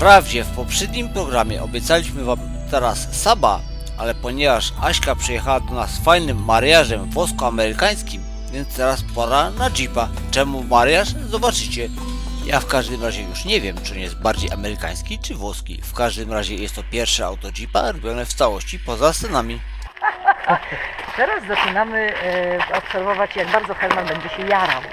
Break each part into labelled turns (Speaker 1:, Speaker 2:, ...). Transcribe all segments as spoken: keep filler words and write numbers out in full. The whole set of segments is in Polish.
Speaker 1: Wprawdzie w poprzednim programie obiecaliśmy wam teraz Saba, ale ponieważ Aśka przyjechała do nas fajnym mariażem włosko-amerykańskim, więc teraz pora na Jeepa. Czemu mariaż? Zobaczycie. Ja w każdym razie już nie wiem, czy on jest bardziej amerykański czy włoski. W każdym razie jest to pierwsze auto Jeepa robione w całości poza scenami.
Speaker 2: Teraz zaczynamy e, obserwować, jak bardzo Herman będzie się jarał.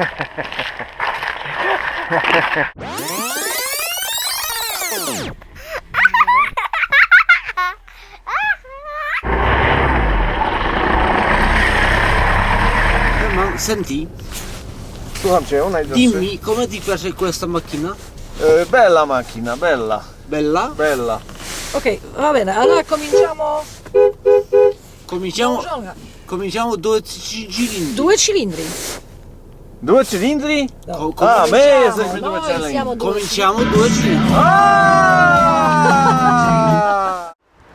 Speaker 1: Herman, senti,
Speaker 3: Słucham cię, najdroższy.
Speaker 1: dimmi come ti piace questa macchina?
Speaker 3: E, bella macchina, bella,
Speaker 1: Bella?
Speaker 3: bella.
Speaker 2: Ok, va bene, allora cominciamo.
Speaker 1: Cominciamo, cominciamo due cilindri.
Speaker 2: Due cilindri.
Speaker 3: Due cilindri?
Speaker 1: Co-
Speaker 3: A, my
Speaker 2: Cominciamo,
Speaker 3: jesteśmy due
Speaker 2: noi
Speaker 3: cilindri.
Speaker 2: siamo due
Speaker 1: Cominciamo due cilindri.
Speaker 3: Aaaa!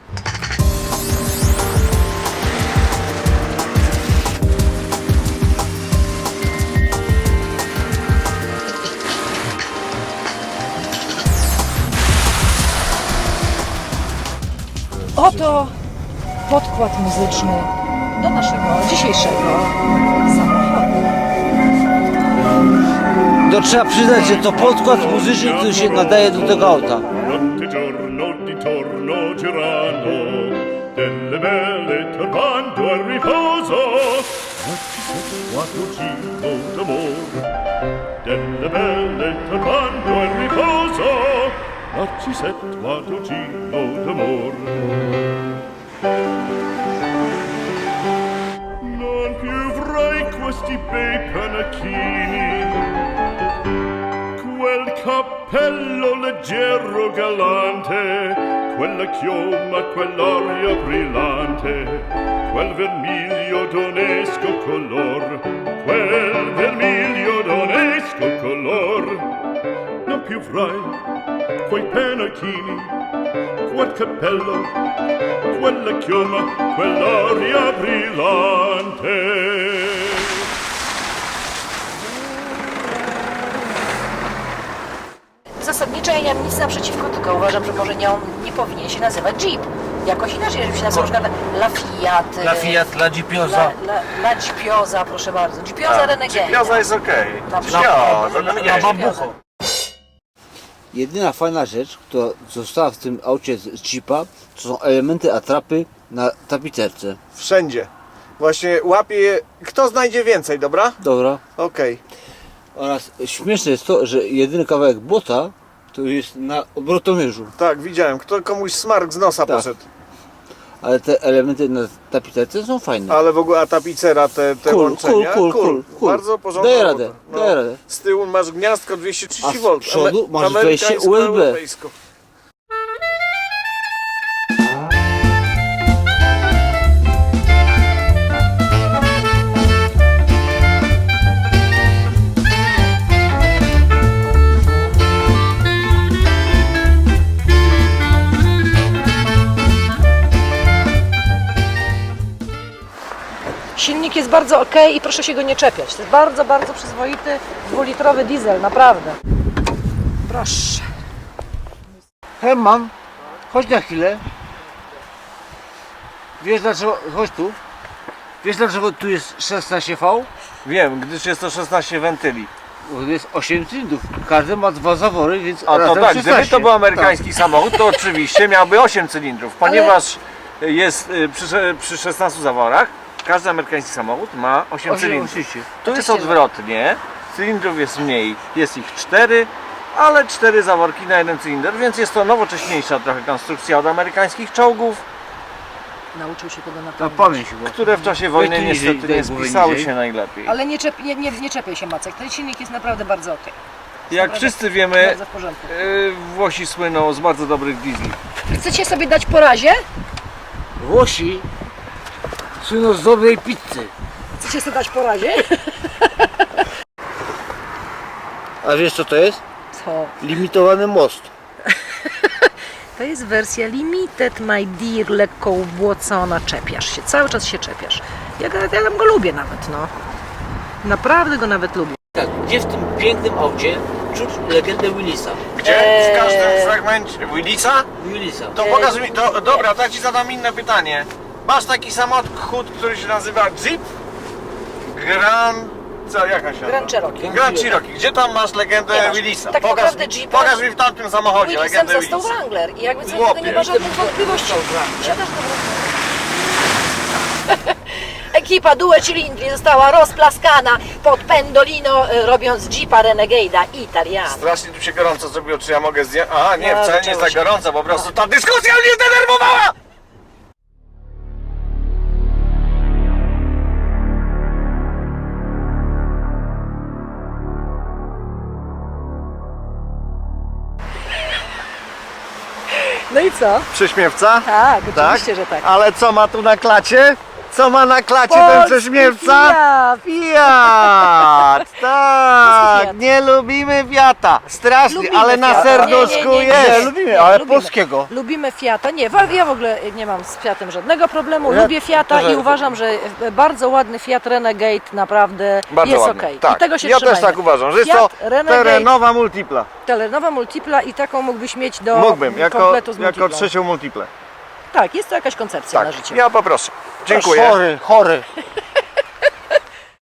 Speaker 2: Oto podkład muzyczny do naszego dzisiejszego samochodu.
Speaker 1: To trzeba przyznać, że to podkład muzyczny, który się nadaje do tego auta.
Speaker 4: Notte giorno di torno girano, delle belle turbando al riposo, quattro giro d'amor. Delle belle turbando al riposo, narcisetto quattro giro d'amor. Non più avrai questi bei panacchini, quel cappello leggero galante, quella chioma, quell'aria brillante, quel vermiglio d'onesco color, quel vermiglio d'onesco color. Non più avrai quei pennacchini, quel cappello, quella chioma, quell'aria brillante.
Speaker 2: Zasadniczo ja nie mam nic naprzeciwko, tylko uważam, że może nie, on nie powinien się nazywać Jeep. Jakoś inaczej, żeby się nazywał na przykład La Fiat.
Speaker 1: La Fiat, la Jeepioza.
Speaker 2: La, la, la Jeepioza, proszę bardzo. Jeepioza Renegade.
Speaker 3: Jeepioza jest okej.
Speaker 2: Na przykład.
Speaker 3: Jeepioza,
Speaker 2: La-
Speaker 3: no
Speaker 2: la
Speaker 3: nie.
Speaker 2: bambucho.
Speaker 1: Jedyna fajna rzecz, która została w tym aucie z Jeepa, to są elementy atrapy na tapicerce.
Speaker 3: Wszędzie. Właśnie łapie je, kto znajdzie więcej, dobra?
Speaker 1: Dobra.
Speaker 3: Okej.
Speaker 1: Oraz śmieszne jest to, że jedyny kawałek błota to jest na obrotomierzu.
Speaker 3: Tak, widziałem. Kto komuś smark z nosa
Speaker 1: Tak.
Speaker 3: poszedł.
Speaker 1: Ale te elementy na tapicerce są fajne.
Speaker 3: Ale w ogóle a tapicera, te, te
Speaker 1: Cool,
Speaker 3: łączenia.
Speaker 1: cool, cool, cool, cool.
Speaker 3: Bardzo porządna
Speaker 1: Daję
Speaker 3: robota.
Speaker 1: radę, daję radę.
Speaker 3: Z tyłu masz gniazdko dwieście trzydzieści
Speaker 1: A z
Speaker 3: V.
Speaker 1: przodu masz wejście U S B.
Speaker 3: Europejsko.
Speaker 2: Silnik jest bardzo ok i proszę się go nie czepiać. To jest bardzo, bardzo przyzwoity dwulitrowy diesel, naprawdę. Proszę.
Speaker 1: Herman, chodź na chwilę. Wiesz dlaczego, chodź tu. Wiesz dlaczego tu jest szesnaście V?
Speaker 3: Wiem, gdyż jest to szesnaście wentyli.
Speaker 1: Bo tu jest osiem cylindrów. Każdy ma dwa zawory, więc
Speaker 3: A to
Speaker 1: razem
Speaker 3: tak, gdyby
Speaker 1: szesnaście.
Speaker 3: to był amerykański samochód, to oczywiście miałby osiem cylindrów, ponieważ jest y, przy, przy szesnastu zaworach, każdy amerykański samochód ma osiem
Speaker 1: Osiem,
Speaker 3: cylindrów.
Speaker 1: oczywiście.
Speaker 3: Tu jest
Speaker 2: Oczywiście,
Speaker 3: odwrotnie, cylindrów jest mniej, jest ich cztery, ale cztery zaworki na jeden cylinder, więc jest to nowocześniejsza trochę konstrukcja od amerykańskich czołgów,
Speaker 2: Nauczył się tego na
Speaker 1: Na
Speaker 2: pamięć.
Speaker 1: pamięć chyba.
Speaker 3: które w czasie wojny
Speaker 1: Weź tu niżej,
Speaker 3: niestety
Speaker 1: daj
Speaker 3: nie
Speaker 1: głowę
Speaker 3: spisały
Speaker 1: niżej.
Speaker 3: się najlepiej.
Speaker 2: Ale nie, czep, nie, nie, nie czepiaj się, Macek. Ten silnik jest naprawdę bardzo ok.
Speaker 3: Jak
Speaker 2: Naprawdę
Speaker 3: wszyscy wiemy,
Speaker 2: Bardzo w porządku.
Speaker 3: y, Włosi słyną z bardzo dobrych diesli.
Speaker 2: Chcecie sobie dać po razie?
Speaker 1: Włosi słyną z dobrej pizzy.
Speaker 2: Chcecie sobie dać po razie?
Speaker 1: A wiesz co to jest?
Speaker 2: Co?
Speaker 1: Limitowany most.
Speaker 2: To jest wersja limited, my dear, lekko ubłocona. Czepiasz się, cały czas się czepiasz. Ja, go- ja tam go lubię nawet, no. Naprawdę go nawet lubię.
Speaker 1: Tak, gdzie w tym pięknym aucie czuć legendę Willisa.
Speaker 3: Gdzie? W każdym fragmencie. Willisa?
Speaker 1: Willisa.
Speaker 3: To pokaż mi, to, dobra, to ja ci zadam inne pytanie. Masz taki samochód, który się nazywa Jeep Grand... Co, jaka się
Speaker 2: Grand
Speaker 3: nazywa?
Speaker 2: Cherokee.
Speaker 3: Grand Cherokee. Gdzie tam masz legendę
Speaker 2: Nie masz.
Speaker 3: Willisa?
Speaker 2: Tak
Speaker 3: pokaż,
Speaker 2: naprawdę
Speaker 3: mi,
Speaker 2: Jeepa-
Speaker 3: pokaż mi w tamtym samochodzie
Speaker 2: Willisem
Speaker 3: legendę
Speaker 2: został
Speaker 3: Willisa.
Speaker 2: Wrangler i jakby co do
Speaker 3: Chłopie.
Speaker 2: tego nie ma żadnych wątpliwości. Siadasz do Ekipa Due Cilindri została rozplaskana pod Pendolino, e, robiąc Jeepa Renegade'a Italiano.
Speaker 3: Strasznie tu się gorąco zrobiło, czy ja mogę zdjąć? Aha, nie,
Speaker 2: No,
Speaker 3: wcale nie jest
Speaker 2: zaczęło
Speaker 3: tak
Speaker 2: się.
Speaker 3: gorąco, po prostu ta dyskusja mnie zdenerwowała!
Speaker 2: No i co?
Speaker 3: Prześmiewca?
Speaker 2: Tak, oczywiście, że tak.
Speaker 3: Ale co ma tu na klacie? Co ma na klacie ten
Speaker 2: Polski
Speaker 3: prześmiewca?
Speaker 2: Fiat.
Speaker 3: Fiat! Tak!
Speaker 2: Fiat.
Speaker 3: Nie lubimy Fiata! Strasznie,
Speaker 2: Lubimy
Speaker 3: ale na
Speaker 2: Fiata.
Speaker 3: serduszku
Speaker 2: Nie, nie, nie,
Speaker 3: jest!
Speaker 2: nie.
Speaker 3: Nie, lubimy,
Speaker 2: Nie,
Speaker 3: ale
Speaker 2: lubimy.
Speaker 3: polskiego.
Speaker 2: Lubimy Fiata. Nie, wa- ja w ogóle nie mam z Fiatem żadnego problemu.
Speaker 3: Ja
Speaker 2: Lubię Fiata
Speaker 3: też-
Speaker 2: i uważam, że bardzo ładny Fiat Renegade naprawdę
Speaker 3: Bardzo
Speaker 2: jest
Speaker 3: ładny.
Speaker 2: okej.
Speaker 3: Tak.
Speaker 2: I tego się
Speaker 3: ja
Speaker 2: trzymajmy.
Speaker 3: też tak uważam, że jest
Speaker 2: Fiat
Speaker 3: to
Speaker 2: Renegade,
Speaker 3: terenowa multipla.
Speaker 2: terenowa multipla i taką mógłbyś mieć do
Speaker 3: Mógłbym, jako,
Speaker 2: kompletu z
Speaker 3: jako
Speaker 2: multiplą.
Speaker 3: trzecią multiplę.
Speaker 2: Tak, jest to jakaś koncepcja na
Speaker 3: Tak,
Speaker 2: życie.
Speaker 3: ja poproszę. Dziękuję.
Speaker 1: Chory, chory.